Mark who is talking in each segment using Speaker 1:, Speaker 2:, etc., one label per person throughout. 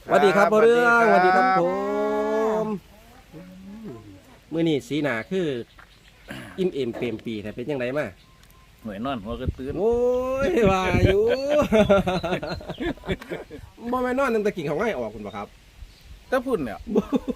Speaker 1: สวัสดีครับพ่อเรื่องส
Speaker 2: สวั
Speaker 1: วัส
Speaker 2: สดี
Speaker 1: ดีค
Speaker 2: ครั
Speaker 1: รับบ ผมมื้อนี้สีหน้าคืออิ่มเอมเปรมปีแต่เป็นยังไงมา
Speaker 2: หน่วยนอนหัวกระตื้น
Speaker 1: โอ้ยว่าอยู่ บ่แม่นนอนตั้งแต่กิ่งเขาง่ายออกคุณบ่ครับ
Speaker 2: ถ้าพุ่นเนี่ย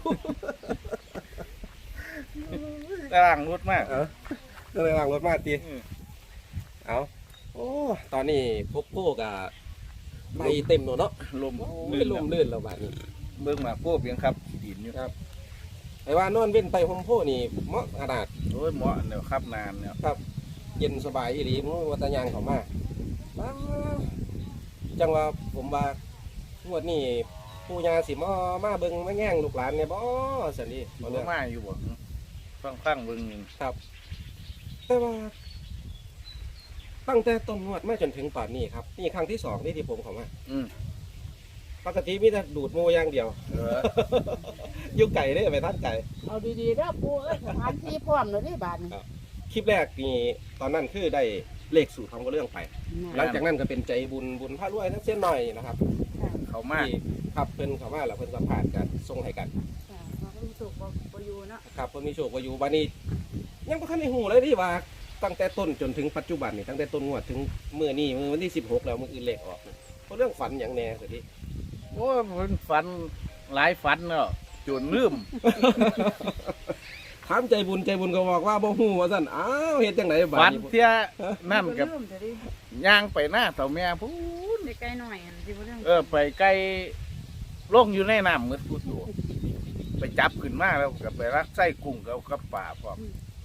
Speaker 2: กำลังรุดมาก
Speaker 1: เออก็เลยล้างรถมาตี
Speaker 2: อืม
Speaker 1: เอาโอ้ตอนนี้พบโก้กับใบเต็มแล้วเนาะ
Speaker 2: ลม
Speaker 1: โอ้ยลมลื่นแล้วบัดนี้
Speaker 2: เบิ่งมาพวกเพียงครับดินอยู่
Speaker 1: ครับ ไอ้ว่านอนเว้นไตห่มโพนี่เหมาะขนาด
Speaker 2: โอ้ยเหมาะเนี่ยครับนานเนี่ย
Speaker 1: ครับ เย็นสบายอีหลีมื้อวัตยางเขามาว้าวจังว่าผมว่างวดนี้ปู่ย่าสิมาเบิ่งมาแย่งลูกหลานเนี่ยบ่ซั่นนี่บ่
Speaker 2: บ่
Speaker 1: เรื่อง
Speaker 2: มาอยู่บ่ฟังเบิ่งหนึง
Speaker 1: ครับ แต่ว่า ตั้งแต่ต้นงวดมาจนถึงป่านนี้ครับนี่ครั้งที่สองนี่ที่ผมเข้ามา
Speaker 2: อืม
Speaker 1: ปกติมีแต่ดูดหมูอย่างเดียว
Speaker 2: เออ
Speaker 1: อยู่ไก่ได้ไปท่านไก่
Speaker 3: เอาดีๆเด้อปูเอ้ยสถานที่พร้อมแล้วนี่บาดนี้
Speaker 1: คลิปแรกนี่ตอนนั้นคือได้เลขสูตรทำก็เรื่องไป หลังจากนั้นก็เป็นใจบุญพระรวยทั้งเส้นหน่อยนะครับ
Speaker 2: เขามา
Speaker 1: ที่ครับเพิ่นเขามาแล้วเพิ่นสัมผัสกันส่งให้กัน
Speaker 3: ค่ะความรู้สึกบ่อยู่เนาะ
Speaker 1: ครับเพิ่นมีโชคว่าอยู่บัดนี้ ยังบ่ทันได้ฮู้เลยที่ว่าตั้งแต่ต้นจนถึงปัจจุบันนี่ตั้งแต่ต้นงวดถึงมื้อนี้มื้อวันที่16แล้วมื้ออื่นเลขออกเพราะเรื่องฝันอย่างแน่สิ
Speaker 2: โอ้ยมันฝันหลายฝันเนาะจนลืม
Speaker 1: ถามใจบุญก็บอกว่าบ่ฮู้ว่าซั่นอ้าวเฮ็ดจังไดบัด
Speaker 2: ฝัน
Speaker 1: นี้
Speaker 2: เที่ยนั่นกับ
Speaker 3: เริ่มจะได้
Speaker 2: ย่างไปหน้าเต่าแม่พูน
Speaker 3: ได้ใกล้หน่อยอันที่บ่เรื่อง
Speaker 2: ไปไกลลงอยู่ในน้ำมืดพูดอยู่ไปจับขึ้นมาแล้วก็ไปรักไส้กุ้งกับป่าพร้อม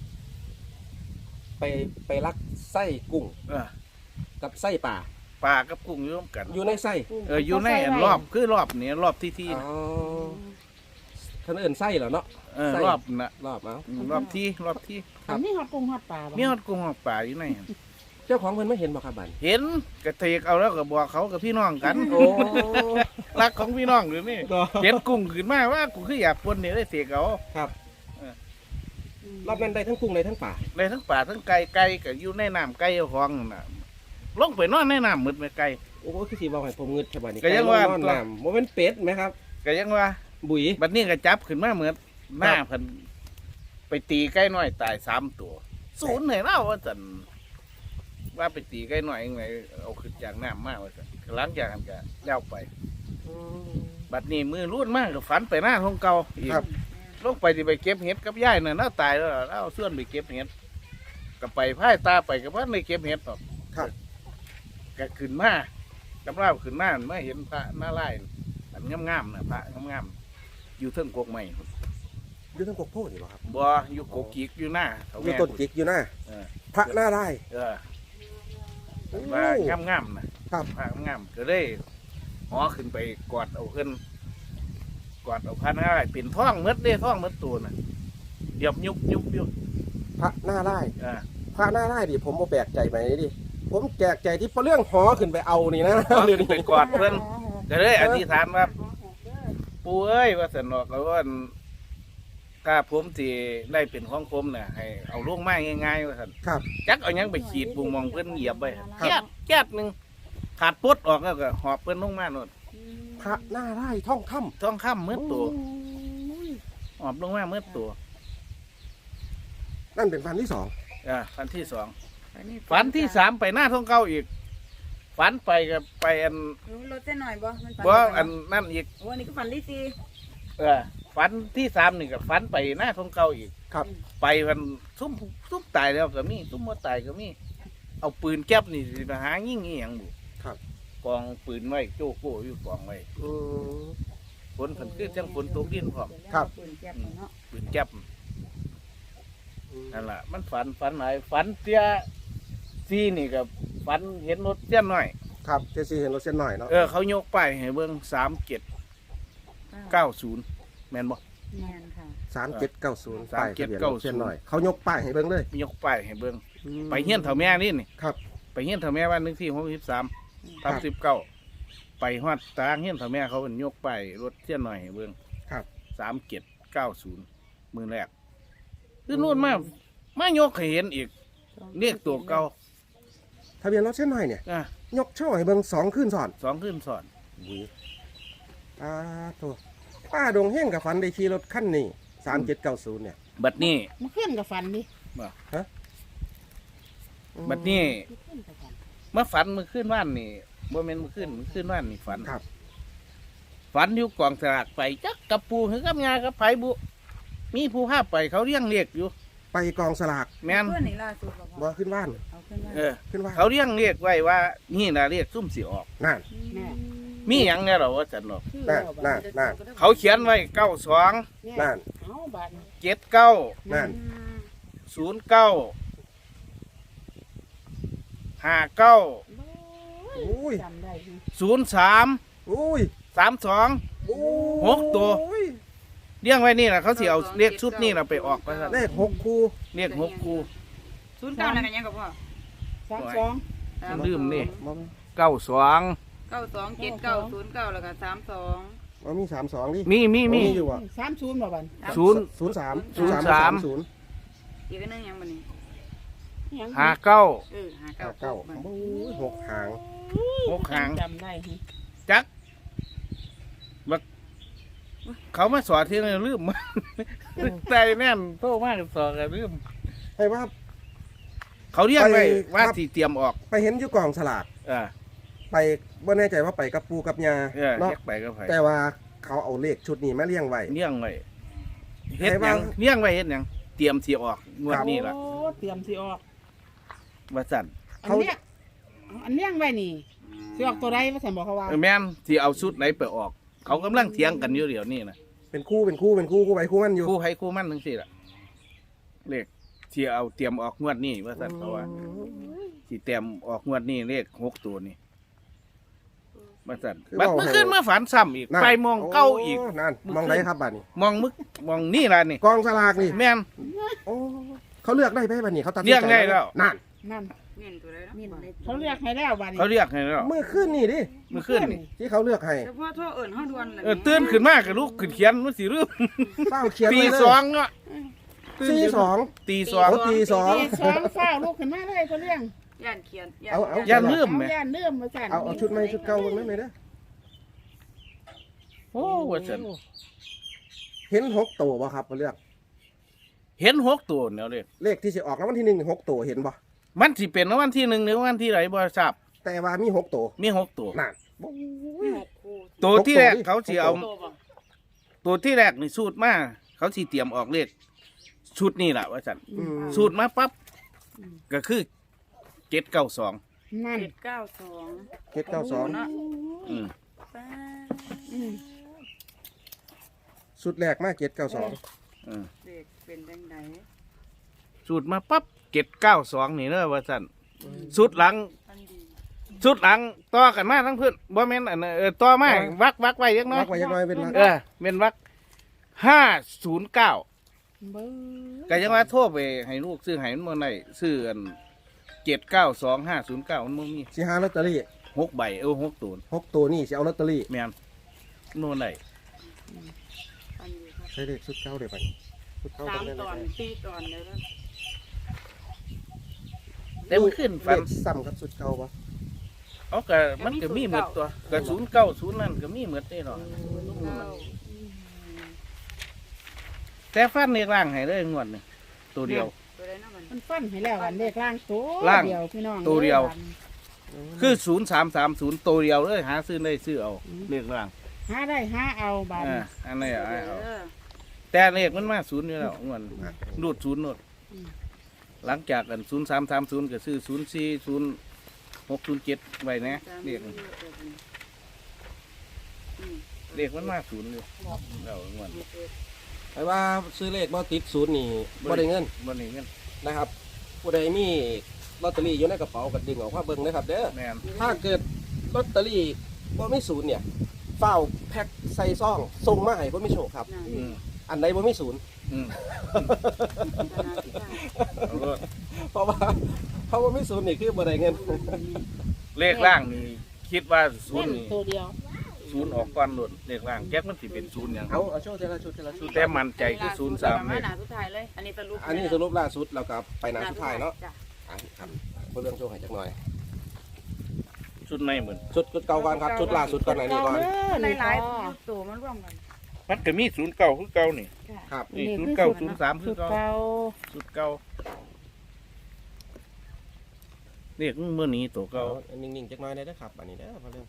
Speaker 1: ไปลักไส้กุ้ง
Speaker 2: เออ
Speaker 1: กับไส้ป่า
Speaker 2: ป่ากับกุ้งอยู่ร่วมกัน
Speaker 1: อยู่ในไส้
Speaker 2: อยู่ในอันรอบคือรอบนี้รอบที่
Speaker 1: อ๋อท่านเอิ้นไส้เหรอเนาะ ไส้
Speaker 2: รอบน่ะ
Speaker 1: รอบเอา
Speaker 2: รอบที่
Speaker 1: ครับ
Speaker 3: อันนี้ฮอดกุ้งฮอดปลาบ่
Speaker 2: มีฮอดกุ้งฮอดป่าอยู่ในหั่น
Speaker 1: เจ้าของเพิ่นไม่เห็นบ่ครับบัด
Speaker 2: เห็นกระเทกเอาแล้วก็บอกเขากับพี่น้องกัน
Speaker 1: โอ้
Speaker 2: รักของพี่น้องหรือนี่เห็นกุ้งขึ้นมาว่ากูคืออยากปนเนี่ยได้เสกเอา
Speaker 1: ครับ
Speaker 3: อืม
Speaker 1: รอบนั้นได้ทั้งกุ้งได้ทั้งป่า
Speaker 2: ได้ทั้งป่าทั้งไก่ก็อยู่ในน้ำไก่เอาของนั่นน่ะลงไปนอนในน้ำมืดไม่ไก่
Speaker 1: โอ้คือสิเว้าให้ผมงึดแค่บัดนี้
Speaker 2: ก็ยังว่า
Speaker 1: ไก่นอนน้ำบ่แม่นเป็ดไหมครับ
Speaker 2: ก็ยังว่า
Speaker 1: บุ๋ย
Speaker 2: บัดนี้ก็จับขึ้นมาเหมือนหน้าเพิ่นไปตีไก่น้อยตาย3 ตัวศูนย์ให้เราว่าซั่นว่าไปตีไก่น้อยยังไงเอาขึ้นจากน้ำมาว่าซั่นหลังจากนั้นก็แล้วไป บัดนี้มือรุ่นมากก็ฝันไปหน้าของเก่าอีก
Speaker 1: ครับ
Speaker 2: ลงไปที่ไปเก็บเห็ดกับยายน่ะน่าตายแล้วเราเอาเสื้อนไปเก็บเห็ดก็ไปพ่ายตาไปกับว่าไม่เก็บเห็ดหรอก
Speaker 1: ครับ
Speaker 2: ก็ขึ้นมากับเราขึ้นมาไม่เห็นพระหน้าไร่อันงามๆนะพระงามๆอยู่เทิงกกใหม่
Speaker 1: อยู่ทั้งกกโพนี่บ่ครับ
Speaker 2: บ่อยู่กกกิกอยู่หน้าเฒ่า
Speaker 1: อยู่
Speaker 2: แม่
Speaker 1: ต้นจิกอยู่นะ
Speaker 2: เออ
Speaker 1: พระหน้าได้
Speaker 2: เออ
Speaker 1: โอ้
Speaker 2: ว่างามๆนะครับ พระงามก็เลยหอขึ้นไปกอดเอาขึ้นกอดเอาพระหน้าไร่เป็นท้องหมดเด้ท้องหมดตัวน่ะเดี๋ยวยุบอยู่
Speaker 1: พระหน้าได้
Speaker 2: เออ
Speaker 1: พระหน้าได้ดิผมบ่แปลกใจไปดิผมแปลกใจที่พอเรื่องหอขึ้นไปเอานี่นะ
Speaker 2: หอ
Speaker 1: เดี๋ยว
Speaker 2: ขึ้น
Speaker 1: นี้
Speaker 2: ไปกอดเพิ่นก็เลยอธิษฐานว่า ปู่เอ้ยว่าสนอกแล้วว่าถ้าผมที่ได้เป็นของผมเนี่ยให้เอาลงไม้ง่ายๆว่าสัน
Speaker 1: ครับ
Speaker 2: จักเอาหยังไปขีดปุ่งมองเพิ่นเหยียบไป
Speaker 1: ครับ
Speaker 2: แก๊ดหนึ่งขาดปุ๊ดออกแล้วก็หอบเพิ่นลงมาโน่น
Speaker 1: พระหน้าได้ท่องค่ำ
Speaker 2: ท้องค่ำเมื่อตัวหอบลงมาเมื่อตัว
Speaker 1: นั่นเป็นฟันที่สอง
Speaker 2: ฝันที่2ฝันที่3ไปหน้าท้องเก่าอีกฝันไปกับไปอัน
Speaker 3: รู้รถได้หน่อยบ่มันฝัน
Speaker 2: บ่
Speaker 3: ดี
Speaker 2: อัน
Speaker 3: เนาะ
Speaker 2: นั่นอีก
Speaker 3: โอ้อันนี้ก็ฝันที่สี่
Speaker 2: ฝันที่3นี่ก็ฝันไปหน้าท้องเก่าอีก
Speaker 1: ครับ
Speaker 2: ไปมันซุ่มตายแล้วก็มีซุ่มบ่ตายก็มีเอาปืนแก๊ปนี่สิไปหายิงอีหยังบุ
Speaker 1: ครับ
Speaker 2: กองปืนไว้โจ้โก้อยู่กองไว้
Speaker 1: อืม
Speaker 2: ฝนคือจังฝนตกดินพร้อม
Speaker 1: ครับ
Speaker 3: ปืนแก๊ปเนาะ
Speaker 2: ปืนแก๊ปนั่นล่ะมันฝันหลายฝันเตี้ยซีนี่กับฝันเห็นรถเตี้ยน้อย
Speaker 1: ครับเจซี่เห็นรถเส้นหน่อยเนาะ
Speaker 2: เขายกป้ายให้เบิ่ง3790แม่นบ่
Speaker 3: แม่นค่ะ
Speaker 1: 3790ป้ายทะเบียนรถ
Speaker 2: 3790
Speaker 1: เส้นหน่อยเขายกป้ายให้เบิ่งเลย
Speaker 2: ยกป้ายให้เบิ่งไปเฮียนเฒ่าแม่นี่
Speaker 1: ครับ
Speaker 2: ไปเฮียนเฒ่าแม่วันนึงที่63
Speaker 1: ครับ
Speaker 2: 39ไปฮอดตารางเฮียนเฒ่าแม่เขาเป็นยกป้ายรถเตี้ยน้อยให้เบิ่ง
Speaker 1: ครับ
Speaker 2: 3790มื้อแรกคือนู่นมายกให้เห็นอีกเรียกตัวเก่า
Speaker 1: ทะเบียนรถเส้นหน่อยเนี่ย
Speaker 2: อ่ะ
Speaker 1: ยกโช่ให้เบิ่ง2คืนซ้อน
Speaker 2: 2 คืนซ้อน
Speaker 1: บุ๋ยโทษป้าดงเฮงกับฝันได้ขี่รถคันนี้3790เนี่ย
Speaker 2: บัดนี้
Speaker 4: มันขึ้นกับฟันดิ
Speaker 2: บัดนี้
Speaker 4: มันขึ้นกับฟัน
Speaker 2: เมื่อฝันเมื่อคืนว่านนี่บ่แม่นเมื่อคืนว่านนี่ฝัน
Speaker 1: ครับ
Speaker 2: ฝันอยู่กองสลากไปจักกับปูหรือกับยากับไผบุมีผู้พาไปเขาเรียงเรียกอยู่
Speaker 1: ไปกองสลาก
Speaker 2: แม่น
Speaker 3: เพื่อนนี่ล่าสุดบ่พ่
Speaker 1: บ่
Speaker 3: อ
Speaker 1: ขึ้นบ้าน
Speaker 3: เอาขึ้นมา
Speaker 2: เออ
Speaker 1: ขึ้นบ้าน
Speaker 2: เขาเรียงเรียกไว้ว่านี่น่ะเรียกซุ่มสิออก
Speaker 1: นั่น
Speaker 4: แม่
Speaker 2: มีหยังแน่หรอว่าจันหรอก
Speaker 4: ชื่อ
Speaker 1: นั่น
Speaker 4: เราบัด
Speaker 1: นั่น
Speaker 4: นี้
Speaker 2: เขาเขียนไว้92
Speaker 4: เนี่ย
Speaker 1: นั่น
Speaker 4: เอาบัดนี้
Speaker 2: 79
Speaker 1: นั่น
Speaker 2: 09 59
Speaker 1: อุ้ย
Speaker 4: จำได้ไหม
Speaker 2: 03
Speaker 1: อุ้ย
Speaker 2: 32
Speaker 1: โอ้
Speaker 2: หกตัว เรียงไว้นี่ล่ะเขาสิเอาเรียกชุดนี่ล่ะไปออกว่าซั่น
Speaker 1: เลข6คู่
Speaker 2: เรียก6คู่
Speaker 3: 09นั่นกันยังกับพ่อ
Speaker 4: 32
Speaker 2: ลืมนี่
Speaker 1: บ่
Speaker 2: 92
Speaker 3: 92 79 09แล้วก็32
Speaker 1: บ่มี32ดิ
Speaker 2: มี
Speaker 1: มีอยู่อ่ะ
Speaker 4: 30บ่บัด
Speaker 2: 0
Speaker 1: 03
Speaker 3: อีกอันนึงยังบ่นี่
Speaker 4: ยัง
Speaker 2: 59
Speaker 3: เออ
Speaker 1: 59
Speaker 3: 59
Speaker 1: โอ้ย6หาง
Speaker 2: 6หาง
Speaker 4: จำได้ไหม
Speaker 2: จักบักเขามาสอนที่นี่ลืม ใจแน่นโตมากสอนกันลืม
Speaker 1: ให้ว่า
Speaker 2: เขาเรียกไว้
Speaker 1: ไป
Speaker 2: ว่า
Speaker 1: ครับ
Speaker 2: สีเตรียมออก
Speaker 1: ไปเห็นอยู่กองสลาก
Speaker 2: เออ
Speaker 1: ไปบ่แน่ใจว่าไปกับปูกับยา
Speaker 2: เออ
Speaker 1: เนาะ
Speaker 2: เรียกไปก็ไป
Speaker 1: แต่ว่าเขาเอาเลขชุดนี้มาเลี้ยงไว้
Speaker 2: เลี้ยงไว้เฮ็ด
Speaker 1: ใคร
Speaker 2: ห
Speaker 1: ว่า
Speaker 2: ยังเลี้ยงไว้เฮ็ดหยังเตรียมสีออกงวดนี้ล่ะ
Speaker 4: โอ้เตรียมสิออก
Speaker 2: ว่าสั่น
Speaker 4: อันเนี้ยอันเลี้ยงไว้นี่สิออกตัวใดว่าฉันบอกเขาว่า
Speaker 2: แม่นที่เอาชุดไหนไปออก เขากำลังเถียงกันอยู่เดี๋ยวนี้นะ
Speaker 1: เป็นคู่คู่ไปคู่มันอยู่
Speaker 2: คู่ให้คู่มั่นทั้งสี่ล่ะเลขที่เอาเตรียมออกงวดนี้ว่าสั่นเขาว่าที่เตรียมออกงวดนี้เลข6ตัวนี่ว่าสั่นบัดเมื่อคืนมาฝันซ้ำอีก
Speaker 1: นั่น
Speaker 2: ไปมองเก้าอีก
Speaker 1: โนั่นมองไหนครับบัดนี้
Speaker 2: มองนี่ล่ะนี่
Speaker 1: กองสลากนี่
Speaker 2: แม่น
Speaker 1: โอ้เขาเลือกได้ไหมบัดนี้เขาตัดสิน
Speaker 2: เลือก
Speaker 1: ใจ
Speaker 2: ได้แล้ว
Speaker 1: นั่น
Speaker 4: นั่น
Speaker 3: เงินตัวใดเนาะ
Speaker 4: เขาเรียกให้แล้วบัดนี้
Speaker 2: เขาเรียกให้แล้ว
Speaker 1: เมื่อคืนนี่ดิ
Speaker 2: เมื่อคืนนี่
Speaker 1: ที่เขาเลือกให้
Speaker 3: เฉพาะโทรเอิ้นเฮาด่วนเลย
Speaker 2: ตื่นขึ้นมากับลูกขึ้นเขียนมันสิลืม
Speaker 1: เฝ้าเขียน
Speaker 2: ตี
Speaker 1: ไว้เลย
Speaker 2: สองเนาะ
Speaker 1: ตีสอง
Speaker 2: ตีสอง
Speaker 1: โอ้ตีสอง
Speaker 4: ตีสองฟ้าวลูกขึ้นมาเลยเขาเลี้ยง
Speaker 3: ย่านเขียน
Speaker 1: เอา
Speaker 2: อย่าลืม
Speaker 4: เอา
Speaker 2: แหม
Speaker 4: ย่านเลื่อมมาสั่น
Speaker 1: เอาชุดใหม่ชุดเก่าเบิ่งนั่นเลยเด้อ
Speaker 2: โอ้ว่าซั่น
Speaker 1: เห็น6ตัวบ่ครับเขาเลือก
Speaker 2: เห็น6ตัวแล้วเด้
Speaker 1: เลขที่สิออกแล้ววันที่1 6ตัวเห็นบ่
Speaker 2: มันสิเป็นวันที่1หรือวันที่ไหนบ่ทราบ
Speaker 1: แต่ว่ามี6ตัว
Speaker 2: มี6ตัว
Speaker 1: นั่นโอ้ย
Speaker 2: ตัวที่แรกเขาสิเอา
Speaker 4: โตบ่
Speaker 2: ตัวที่แรกนี่สูตรมาเขาสิเตรียมออกเลขชุดนี่ล่ะว่าซั่น
Speaker 1: อืม
Speaker 2: สูตรมาปั๊บก็คือ792
Speaker 4: นั่น
Speaker 3: 792
Speaker 1: เจ็ดเก้าสอง
Speaker 3: เนาะ
Speaker 2: อืม
Speaker 3: ป้า
Speaker 4: อืม
Speaker 1: สุดแรกมา792
Speaker 2: อืม
Speaker 3: เด็กเป็นจังได๋
Speaker 2: สูตรมาปั๊บ792นี่เด้อว่าซั่นสูตรหลัง
Speaker 3: อันดี
Speaker 2: ชุดหลังต่อกันมาทั้งเพื่อนบ่แม่นอันนั้นต่อมาวักไว้ยังน้อย
Speaker 1: วักไว้ยังน้อยเป็นวัก
Speaker 2: เป็นวัก509
Speaker 4: เบิ้ง
Speaker 2: ก็ยังว่าโทรไปให้ลูกซื้อให้มันบ่ได้ซื้ออัน792509มันบ่มี
Speaker 1: สิหาลอตเตอรี่
Speaker 2: 6ใบ6ตัว
Speaker 1: 6ตัวนี่สิเอาลอตเตอรี่
Speaker 2: แม่นโน่นได้
Speaker 3: อันดีครับ
Speaker 1: ใช้เลขชุดเก่าเดี๋ยวไปชุดเก่า
Speaker 3: 3
Speaker 1: ได้
Speaker 3: ตอน4ตอนเด้อ
Speaker 2: แต่มันขึ้นฟัน
Speaker 1: เลขซ้ำกับชุดเก่าปะ
Speaker 2: เอาก็มันก็มีหมดตัวก็090นั่นก็มีหมดนี่เนาะแต่ฟันเรียกร่างให้เลยงวดนึงตัวเดียว
Speaker 3: ตัวใดเนาะมัน
Speaker 4: มันฟันให้แล้วอันเลขล่างตัว
Speaker 2: ล่าง
Speaker 4: เดียวพี่น้อง
Speaker 2: ตัวเดียว
Speaker 4: อ้บั
Speaker 2: คือ0330ตัวเดียวเลยหาซื้อได้ซื้อเอาเรียกร่าง
Speaker 4: หาได้หาเอาบาดนี้
Speaker 2: อันนี้เอา
Speaker 3: เออ
Speaker 2: แต่เลขมันมาศูนย์อยู่แล้วงวนรูดศูนย์โนดหลังจากกัน0330ก็ซื้อ040607ไว้นะเลขเลขมันมาศูนย์อยู่แล้วงวน
Speaker 1: ไอ้ว่าซื้อเลขบ่ติดศูนย์นี่บ่ได้เงิน
Speaker 2: บ่ได้เงิน
Speaker 1: นะครับ ผู้ใดมีลอตเตอรี่อยู่ในกระเป๋าก็ดึงออกมาเบิ่งนะครับเด้อ
Speaker 2: แม่น
Speaker 1: ถ้าเกิดลอตเตอรี่บ่มีศูนย์เนี่ยเฝ้าแพ็คใส่ซองส่งมาให้บ่มีโชคครับ
Speaker 3: นั่น
Speaker 2: อืม
Speaker 1: อันใดบ่มีศูนย์
Speaker 2: อืม
Speaker 3: ขนาดที่ได้
Speaker 2: เอาก็
Speaker 1: เพราะว่ามีศูนย์นี่คือบ่ได้เงิน
Speaker 2: เลขล่างนี่คิดว่าศูนย์
Speaker 4: เล่น
Speaker 2: นี่
Speaker 4: ตัวเดียว
Speaker 2: ศูนย์ออกก่อนโดดเลขล่างแก๊กมันสิเป็นศูนย์หยัง
Speaker 1: เอาโชว์ทีละชุดทีละชุด
Speaker 2: แต่มั่นใจคือ03
Speaker 3: เล
Speaker 2: เลย ย
Speaker 3: หน้าสุดท้ายเลย อันนี้สรุป
Speaker 1: อันนี้สรุปล่าสุดแล้วก็ไปหน้าสุดท้ายเนาะ
Speaker 3: จ้ะ
Speaker 1: อ่ะครับเพื่อเรื่องโชว์ให้จักหน่อย
Speaker 2: สุดในเหมือน
Speaker 1: ชุดเก่าก่อนครับชุดล่าสุดก่อนไหนนี่ก่อน
Speaker 3: ในหลายยุคตัวมันร่วมกัน
Speaker 2: มันก็มีศูนย์เก่าคือเก่านี่
Speaker 1: ครับ
Speaker 2: นี่ศูนย์เก่าศูนย์สามคื
Speaker 4: สุ
Speaker 2: อ
Speaker 4: ด
Speaker 2: เก่า
Speaker 4: เก่า
Speaker 2: สุดเก่าเรียกเมื่อนี้ตัวเก่า
Speaker 1: เอานิ่งๆจักหน่อยได้เด้อครับอันนี้เด้อพอเรื่อง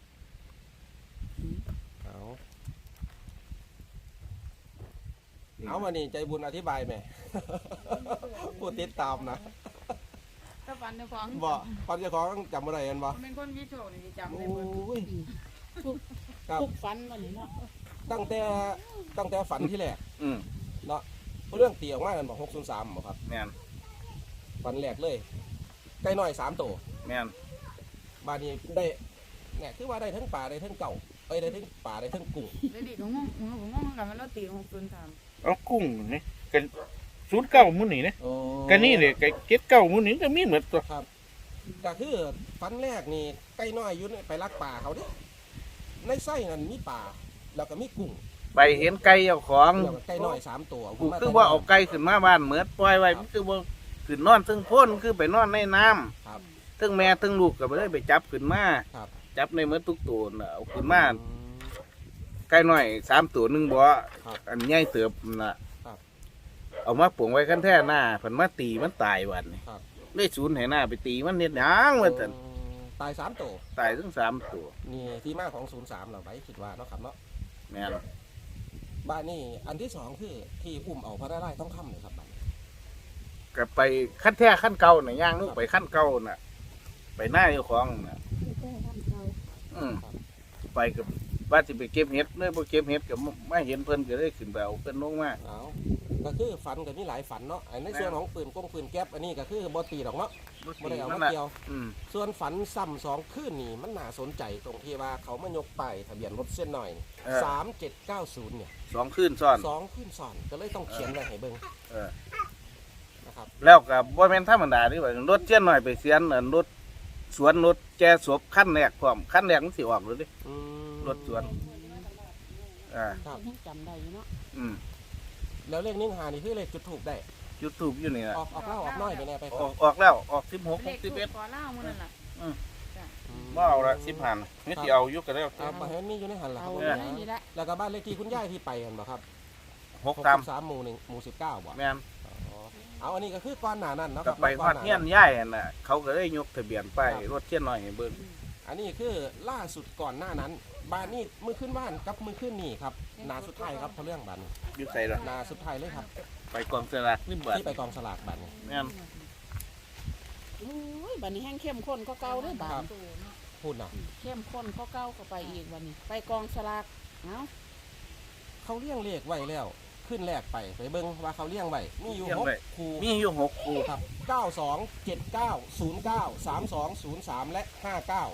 Speaker 1: เอาวันนี้ใจบุญอธิบายแหม่ พูดติดตามนะ
Speaker 3: ถ้าฟันในของ
Speaker 1: บ่ความเจ้าของจำอะไรกันบ่
Speaker 3: เป็นคนวิโชคนี่จำ
Speaker 1: โอ
Speaker 3: ได้หมด้
Speaker 1: ยครับ
Speaker 4: ทุกฟันวันนี้เนาะ
Speaker 1: ตั้งแต่ฝันที่แรก
Speaker 2: อืม
Speaker 1: เนาะเรื่องตีออกมากันบอก603บ่ครับ
Speaker 2: แม่น
Speaker 1: ฝันแรกเลยไก่น้อย3ตัว
Speaker 2: แม่น
Speaker 1: บาดนี้ได้เนี่ยคือว่าได้ทั้งป่าได้ทั้งเก่าได้ทั้งป่าได้ทั้งกุ้ง
Speaker 3: เดี๋ยวดิผมงงกันมันเราตี603
Speaker 2: เอากุ้งนี่กันศูนย์เก่ามื้อนี้นะ
Speaker 1: โอ้
Speaker 2: กันนี่เลยไก่เก็ดเก่ามื้อนี้ก็มีเหมือนตัว
Speaker 1: ครับก็คือฝันแรกนี่ไก่น้อยอยู่ไปลักป่าเขาดิในไส้นั่นมีป่าแล้วก็มีกุ้ง
Speaker 2: ไปเห็นไก่เจ้าของ
Speaker 1: แล้วก็ไก่น้อย3ตัว
Speaker 2: กูคือว่าเอาไก่ขึ้นมาบ้านเหมือนปล่อยไว้มันคือว่าขึ้นนอนซึ่งพ่นคือไปนอนในน้ำ
Speaker 1: ครับ
Speaker 2: ทั้งแม่ทั้งลูกก็ไปเลยไปจับขึ้นมา
Speaker 1: ครับ
Speaker 2: จับในเหมือนทุกตัวน่ะเอาขึ้นมาไก่น้อย3ตัว1บ่
Speaker 1: ครับ
Speaker 2: อันใหญ่เติบน่ะ
Speaker 1: ครับ
Speaker 2: เอามาปลูกไว้คันแท้หน้าเพิ่นมาตีมันตายวันนี้
Speaker 1: ครับ
Speaker 2: ได้ศูนย์ให้หน้าไปตีมันเฮ็ดหยังว่าซั่น
Speaker 1: ตาย3ตัว
Speaker 2: ตายทั้ง3ตัว
Speaker 1: นี่ที่มาของ03เราไว้คิดว่าเนาะครับเนาะ
Speaker 2: แม่น
Speaker 1: บ้านนี่อันที่2คือที่อุ้มเอาพระได้ต้องค่ำเลยครับบ้าน
Speaker 2: ก็ไปขั้นแท้ขั้นเก่าน่ะย่างลูกไปขั้นเก่าน่ะ ไปหน้าเจ้าของน่ะอืมไปกับว่าสิไปเก็บเห็ดเลยบ่เก็บเห็ดก็ไม่เห็นเพิ่นก็เลยขึ้นไปเอาเพิ่นลงมา
Speaker 1: เอาก็คือฝันก็มีหลายฝันเนาะอันในส่วนของปืนปืนแก๊ปอันนี้ก็คือบ่ตีดอกเนาะบ่ได้เอามาเกี่ยว
Speaker 2: อืม
Speaker 1: ส่วนฝันซ้ำ2คืนนี่มันน่าสนใจตรงที่ว่าเขามายกป้ายทะเบียนรถเส้นหน่อย3790เนี่ย
Speaker 2: 2คืนซ้อน
Speaker 1: 2คืนซ้อนก็เลยต้องเขียนไว้ให้เบิ่ง
Speaker 2: เออ
Speaker 1: นะครับ
Speaker 2: แล้วก็บ่แม่นธรรมดาเดิว่ารถเจียนหน่อยไปเสียนรถสวนรถแก่ศพคันแรกพร้อมคันแรกมันสิออกเลยดิ
Speaker 1: อืม
Speaker 2: รถสวน อ่า
Speaker 1: ครับ
Speaker 4: ยังจำได้อยู่เนาะ
Speaker 2: อืม
Speaker 1: แล้วเลข1-5นี่คือเลขจุดถูกได้
Speaker 2: ยูทูบอยู่นี่น่ะ
Speaker 1: ออกเล่าออกน้อยไปแน่ไป
Speaker 2: ออกแล้วออก16
Speaker 3: เลขทูป
Speaker 2: 61
Speaker 3: ขอเล่ามื้อนั่นล่ะ
Speaker 2: บ่เอาละ10,000นี่สิเอาอยู่ก็แล้ว
Speaker 1: ครับบ่เห็นมีอยู่ในหันล่ะค
Speaker 4: เอา
Speaker 1: รับ
Speaker 4: ไว้นี่ละ
Speaker 1: แล้วก็บ้านเลขที่คุณยายที่ไปกันบ่ครับ
Speaker 2: 6ตาม
Speaker 1: 63หมู่1หมู่19บ่
Speaker 2: แม่น
Speaker 1: อ๋อเอาอันนี้ก็คือก้อนหนานั่นเนาะค
Speaker 2: ก็
Speaker 1: รับ
Speaker 2: ไปฮ
Speaker 1: ก้
Speaker 2: อ
Speaker 1: ห
Speaker 2: ดเฮียนย่ายนั่นน่ะเขาก็เลยยกทะเบียนป้ายรถเทียนหน่อยให้เบิ่ง
Speaker 1: อันนี้คือล่าสุดก่อนหน้านั้น บ้านนี้มือขึ้นบ้านกับมือขึ้นนี่ครับนาสุดท้ายครับเพราะเรื่องบ้านนี้
Speaker 2: อยู่ไสล่ะ
Speaker 1: นาสุดท้ายเลยครับ
Speaker 2: ไปกองสลากนี่บัด
Speaker 1: ที่ไปกองสลากบ้านนี้
Speaker 2: แม่น
Speaker 4: โอ้ยบัดนี้แห้งเข้มข้นก็เก่าเด้อบา
Speaker 1: ครั
Speaker 4: ด
Speaker 1: บ พูดนะ
Speaker 4: เข้มข้นก็เก่าก็ไปอีกวันนี้ ไปกองสลากเอ้า
Speaker 1: เขาเลี้ยงเลขไว้แล้ว ขึ้นแรกไปเบิ่งว่าเขาเลี้ยงไว้มีอยู่6คู่
Speaker 2: มีอยู่6คู่
Speaker 1: ครับ92 79 09 32 03 และ 59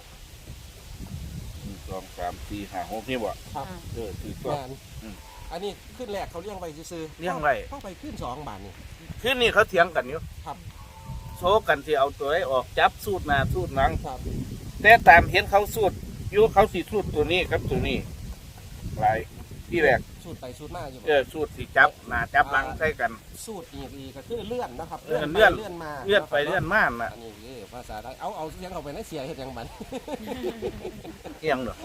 Speaker 2: 1 2 3 4 5 6นี่บ่
Speaker 1: ครับ
Speaker 2: ถือตัว
Speaker 1: แม่นอันนี้ขึ้นแรกเขาเลี้ยงไว้ซื่อๆ
Speaker 2: เลี้ยงไว้
Speaker 1: เข้าไปขึ้น2บาทนี่
Speaker 2: คืนนี้เขาเถียงกันอยู่
Speaker 1: ครับ
Speaker 2: โชว์กันสิเอาตัวให้ออกจับสูตรหน้าสูตรหลัง
Speaker 1: ครับ
Speaker 2: แต่ตามเห็นเขาสูตรอยู่เขาสิสูตรตัวนี้กับตัวนี้หลายที่แรก
Speaker 1: สูตรไปสูตรมาอยู่บ่
Speaker 2: สูตรสิจับหน้าจับหลังใส่กัน
Speaker 1: สูตรอีกก็คือเลื่อนนะครับ
Speaker 2: เลื่อน
Speaker 1: ไปเลื่อนมา
Speaker 2: เลื่อนไปเลื่อนมาน่ะ
Speaker 1: อันนี้คือภาษาไทยเอาเสียงเข้าไปในเสียเฮ็ดหยังบัด
Speaker 2: เอียงเด้อ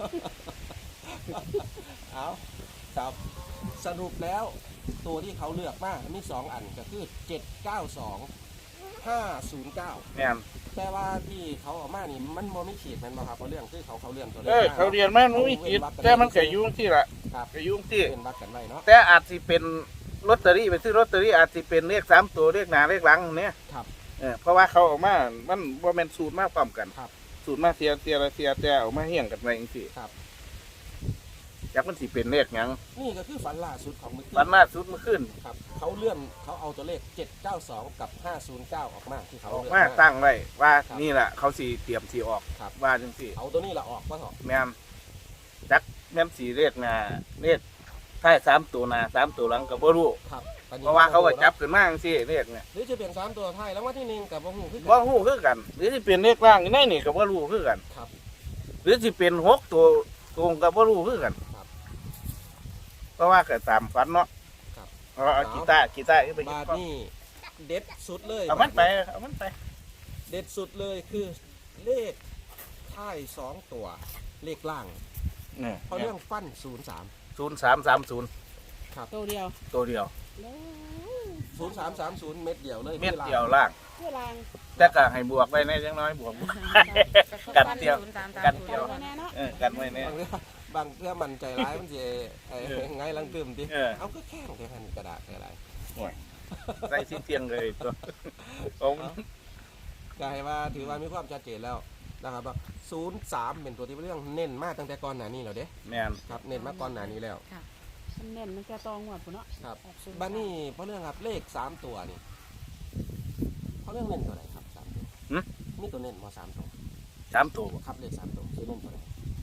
Speaker 1: เอาครับสรุปแล้วตัวที่เขาเลือกมามี2อันก็คือ792 509
Speaker 2: แม่น
Speaker 1: แต่ว่าที่เขาออกมานี่มันบ่มีขีดแม่นบ่ครับเพราะเรื่องคือเขาเลื่อนตัวเลข
Speaker 2: เขาเรียนมามันมีจิตแต่มันก็ยุ่งที่ละ
Speaker 1: ครับ
Speaker 2: ก็ยุ่งที่
Speaker 1: เป็นวัดกันไว้เนาะ
Speaker 2: แต่อาจสิเป็นลอตเตอรี่ไปซื้อลอตเตอรี่อาจสิเป็นเลข3ตัวเลขหน้าเลขหลังเนี่ย
Speaker 1: ครับ
Speaker 2: เพราะว่าเขาออกมามันบ่แม่นสูตรมาพร้อมกัน
Speaker 1: ครับ
Speaker 2: สูตรมาเสียแต่ออกมาเฮี้ยงกันไว้จังซี่
Speaker 1: ครับ
Speaker 2: จักมันสิเป็นเลขหยัง
Speaker 1: นี่ก็คือฝันล่าสุดของมื้อคื
Speaker 2: วันล่าสุดเมื่อคืน
Speaker 1: ครับเขาเลื่อนเขาเอาตัวเลข792กับ509ออกมาที่เขา
Speaker 2: ออก
Speaker 1: เลือก
Speaker 2: มา
Speaker 1: มา
Speaker 2: ตั้งไว้ว่า
Speaker 1: ครับ
Speaker 2: นี่แหละเขาสิเตรียมสิออก
Speaker 1: ครับ
Speaker 2: ว่าจังซี่
Speaker 1: เอาตัวนี้ละออกว่าเถอะ
Speaker 2: แม่นจักแม่นสิเลขหน้าเลขท้าย3ตัวหน้า3ตัวหลังก็บ่รู้
Speaker 1: ครับตอนนี้
Speaker 2: เพราะว่าเขาก็จับขึ้นมาจังซี่เลขเนี่ย
Speaker 1: หรือจะเปลี่ยน3ตัวท้ายแล้วว่าที่1กับบ่ฮู้คือกัน
Speaker 2: บ่ฮู้คือกัน หรือสิเป็นเลขล่างอยู่ในนี่ก็บ่รู้คือกัน
Speaker 1: ครับ
Speaker 2: หรือสิเป็น6ตัวตรงก็บ่รู้คือกัน
Speaker 1: ครับ
Speaker 2: เพราะว่าก็ตามฝันเนาะ
Speaker 1: ครับ
Speaker 2: เอากีตาร์ไป
Speaker 1: บาทนี่เด็ดสุดเลย
Speaker 2: เอามันไป
Speaker 1: เด็ดสุดเลยคือเลขท้าย2ตัวเลขล่าง
Speaker 2: เนี่ย
Speaker 1: เพราะเรื่องฟัน 03
Speaker 2: 0330
Speaker 4: ตัวเดียว
Speaker 2: ตัวเดียว
Speaker 4: แล้ว
Speaker 1: 0330 เม็ดเดียวเลย
Speaker 2: เม็ดเดียวล่าง
Speaker 4: ตัวลาง
Speaker 2: แต่ก็ให้บวกไว้ในจังน้อยบวก กันเดียวกันเดี
Speaker 4: เดี
Speaker 2: ย
Speaker 4: ยว วแน่เนาะ
Speaker 2: กันไว้เนี่ย
Speaker 1: บางเรื่องมันใจร้ายมันสิไงลังตื่มติ เอาก็แข้งแค่นั้นกระดาษอะไร
Speaker 2: ใส่สิ้นเทียงเลยตัวผม
Speaker 1: ก็ให้ว่าถือว่ามีความชัดเจนแล้วนะครับว่า03 เป็นตัวที่เรื่องเน้นมากตั้งแต่ก่อนหน้านี้แล้วเด้
Speaker 2: แม่น
Speaker 1: ครับเน้นมาก่อนหน้านี้แล้ว
Speaker 4: มันแน่นมันจะตองหมดปุ่นเนาะ
Speaker 1: ครับบ้านนี้เพราะเรื่องครับเลข3ตัวนี่เพราะเรื่องเน้นตัวไหนครับ3ตัวนี่ตัวเน้นมา3ตัว
Speaker 2: 3ตัว
Speaker 1: ครับเลข3ตัวคือเน้นตัวไหน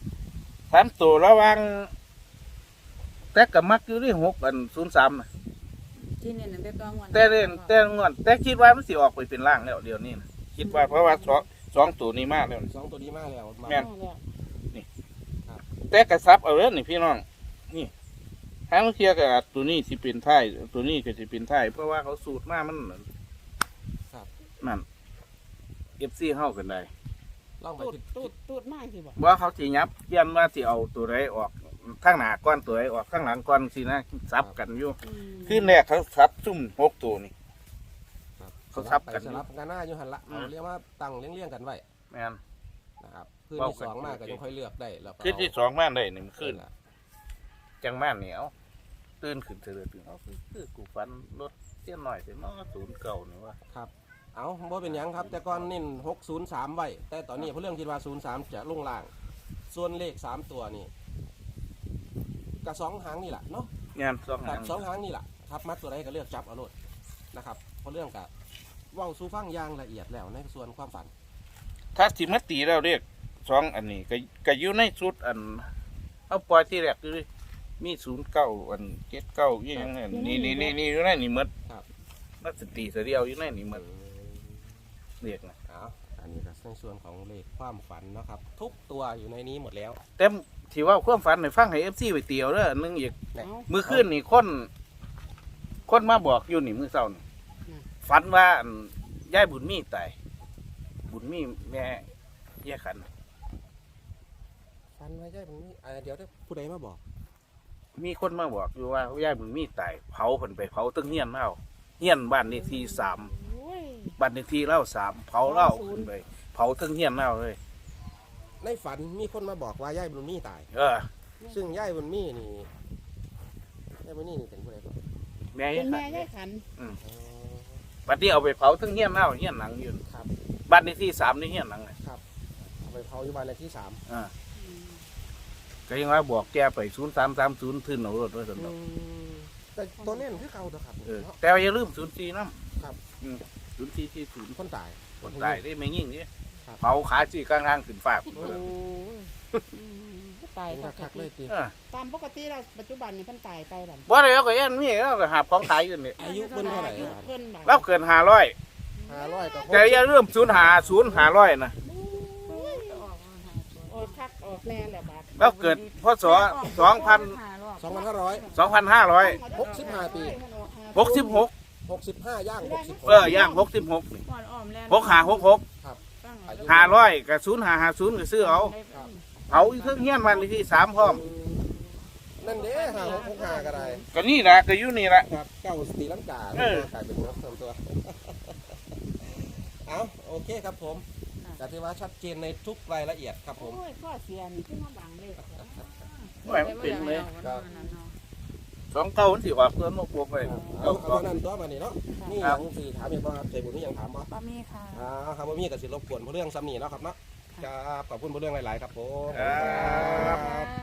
Speaker 2: 3ตัวระวังแต่ก็มักอยู่ที่6อัน03น่ะ
Speaker 3: ที่เนี่ยนั่นได้ต้องวัน
Speaker 2: แต่เล่นแต่งอนแต่คิดว่ามันสิออกไปเป็นล่างแล้วเดี๋ยวนี้นะคิดว่าเพราะว่าสองตัวนี้มากแล้ว
Speaker 1: 2ตัวนี้มากแล้วมา
Speaker 2: แม่น
Speaker 4: เอาแล้ว
Speaker 2: แต่กระซับเอาเรื่องนี่พี่น้องนี่ทางเทียกับตัวนี้สิเป็นท้ายตัวนี้ก็สิเป็นท้ายเพราะว่าเขาสูตรมามันนั่น FC เฮากันได้
Speaker 1: ลองไป
Speaker 4: ตูดมากสิบ่
Speaker 2: ว่าเขาสิยับเยี่ยนว่าสิเอาตัวใดออกข้างหน้าก้อนตัวใดออกข้างหลังก้อนสินะซับกันอยู่คือแรกเขาซับซุ่ม6ตัวนี่ เขาทับกัน
Speaker 1: สลับกันหน้าอยู่หันละเอาเรียกว่าตั้งเลี้ยงๆกันไว้
Speaker 2: แม่น
Speaker 1: นะครับพื้นที่สองมากก็ยังค่อยเลือกได้แล้วก็
Speaker 2: ขึ้นที่2มาได้นี่มันขึ้น
Speaker 1: ละ
Speaker 2: จังม่านเหนียวตื่นขึ้นเตื่นตื่นเอาคือกูฟันรถเสี้ยนหน่อยแต่มา0 9นี่ว่า
Speaker 1: เอาบ่เป็นหยังครับ แต่ก่อนเน้น603ไว้แต่ตอนนี้เพราะเรื่องคิดว่า03จะลงล่าง ส่วนเลข3ตัวนี่กับ2หางนี่แหละเนาะ
Speaker 2: งาน2
Speaker 1: ค
Speaker 2: หา
Speaker 1: รับ
Speaker 2: ง
Speaker 1: 2หางนี่แหละครับมัดตัวใดก็เลือกจับเอาโลดนะครับเพราะเรื่องกับเว้าสู่ฟังอย่างละเอียดแล้วในส่วนความฝัน
Speaker 2: ถ้าสิมาตีแล้วเรียก2อันนี้ก็อยู่ในชุดอันเอาปล่อยที่แรกคือมี09อัน79อีหยังนี่อยู่ในนี่หมดนักสติเสียวอยู่ในนี่หมดเรียกนะ
Speaker 1: เอาอันนี้ก็ในส่วนของเลขความฝันเนาะครับ ทุกตัวอยู่ในนี้หมดแล้ว
Speaker 2: แต่ที่ว่าความฝันให้ฟังให้ FC ไปเตียวเด้ออันนึงอีก
Speaker 4: เอา
Speaker 2: มื้อคืนนี่คนมาบอกอยู่นี่มื้อเช้านี่ฝันว่าอันยายบุญมีตายบุญมีแม่แยกขัน
Speaker 1: ฝันไว้ใช่ผมนี่เดี๋ยวได้ผู้ใดมาบอก
Speaker 2: มีคนมาบอกอยู่ว่ายายบุญมีตายเผาเพิ่นไปเผาตึ้งเฮียนเล่าเฮียนบ้านเลขที่3
Speaker 4: โอ้ย
Speaker 2: บ้านเลขที่เล่า3เผาเล่าขึ้นไปเผาตึ้งเฮียนเล่าเลย
Speaker 1: ในฝันมีคนมาบอกว่าย่ายบุญมีตาย ซึ่งย่ายบุญมีนี่ย่ายบุญมีนี่เป็นผู้ใดบอก
Speaker 2: แม่
Speaker 4: เป็น
Speaker 2: ขั
Speaker 4: แม่
Speaker 2: น
Speaker 4: ยายขัน
Speaker 2: บัดนี้เอาไปเผาตึ้งเฮียนเล่าเฮียนหลังอยู่
Speaker 1: ครับ
Speaker 2: บ้านเลขที่3นี่เฮียนหลังเลย
Speaker 1: เอาไปเผาอยู่บ้านเลขที่3
Speaker 2: ก็ยังว่าบอกแกไป0330ทื่นเอารถไว้ซั่นดอก
Speaker 1: แต่ตัวเน้นคือเก่าตัวครับ
Speaker 2: เนาะแต่ว่าอย่าลืม04นำ
Speaker 1: ครับ
Speaker 2: 0440
Speaker 1: คนตาย
Speaker 2: คนตายได้ไม่ยิ่งนี่
Speaker 1: ครับ
Speaker 2: เผาขาสิกลางๆขึ้นฟ้าพุ่น
Speaker 1: โอ้
Speaker 2: เลย
Speaker 4: ตาย
Speaker 1: เป็นคักๆเลยตี
Speaker 4: ตามปกติเราปัจจุบันนี่เพิ่นตายไปบัด
Speaker 2: บ่ได้เอาก็ยันมีแล้วก็หาบของขายอยู่นี่
Speaker 1: อายุเพิ่นเท่าไหร่
Speaker 4: เพิ่นบัด
Speaker 2: เราเกิน500
Speaker 1: 500กับ
Speaker 2: แต่อย่าลืม0500นะ
Speaker 4: ออกคักออกแน่แหละบาด
Speaker 2: เราเกิดพศ
Speaker 1: 2,500
Speaker 2: 2565
Speaker 1: ปี
Speaker 2: 66
Speaker 1: 65ย่าง66
Speaker 2: ย่าง66นี่
Speaker 3: ก่อนอ้อมแลน
Speaker 2: 6566 500กับ0550ก็ซื้อเอาอีกเทิงเฮียนวันที่3พร้อม
Speaker 1: นั่นเด้5665ก็ได้
Speaker 2: ก็นี่ล่ะก็อยู่นี่ล่ะ
Speaker 1: ครับเก้าสตีลังกาแล้วก็กลายเป็นนกตัว เอาโอเคครับผมแต่ที่ว่าชัดเจนในทุกรายละเอียดครับผม
Speaker 4: โอ้ยข้อเสียนี่ขึ้นมาบังเลย
Speaker 2: โอ้ยมันเป็นเลย2เก้ามันสิออกเพิ่นบ่บวกไป
Speaker 1: เอาเท่านั้นตัวมานี่เนาะนี่ยังสี่ถามอีกบ่ครับใจบุญนี่ยังถามบ่
Speaker 3: ป้ามีค่ะ
Speaker 1: ครับบ่มีก็สิรบกวนผู้เรื่องซ้ำนี่เนาะครับเนาะครับขอบคุณผู้เรื่องหลายๆครับผม
Speaker 2: ครับ